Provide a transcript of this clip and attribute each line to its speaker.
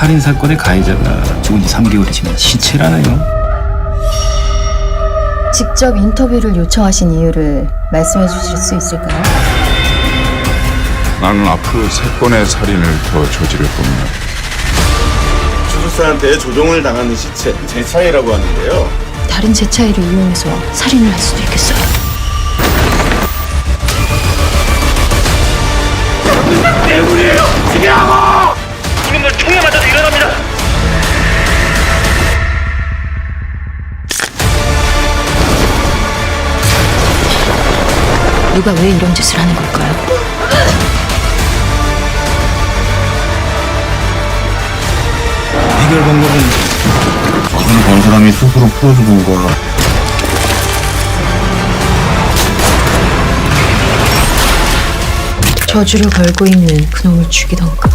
Speaker 1: 살인 사건의 가해자가 죽은 지 3개월이 지난 시체라네요.
Speaker 2: 직접 인터뷰를 요청하신 이유를 말씀해 주실 수 있을까요?
Speaker 3: 나는 앞으로 3건의 살인을 더 저지를 겁니다.
Speaker 4: 주술사한테 조종을 당하는 시체 제 차이라고 하는데요.
Speaker 2: 다른 제 차이를 이용해서 살인을 할 수도 있겠어요.
Speaker 5: 이놈들 총에 맞아서 일어납니다.
Speaker 2: 누가 왜 이런 짓을 하는 걸까요?
Speaker 1: 해결 방법은
Speaker 4: 그걸 본 사람이 스스로 풀어주는 거.
Speaker 2: 저주를 걸고 있는 그놈을 죽이던가.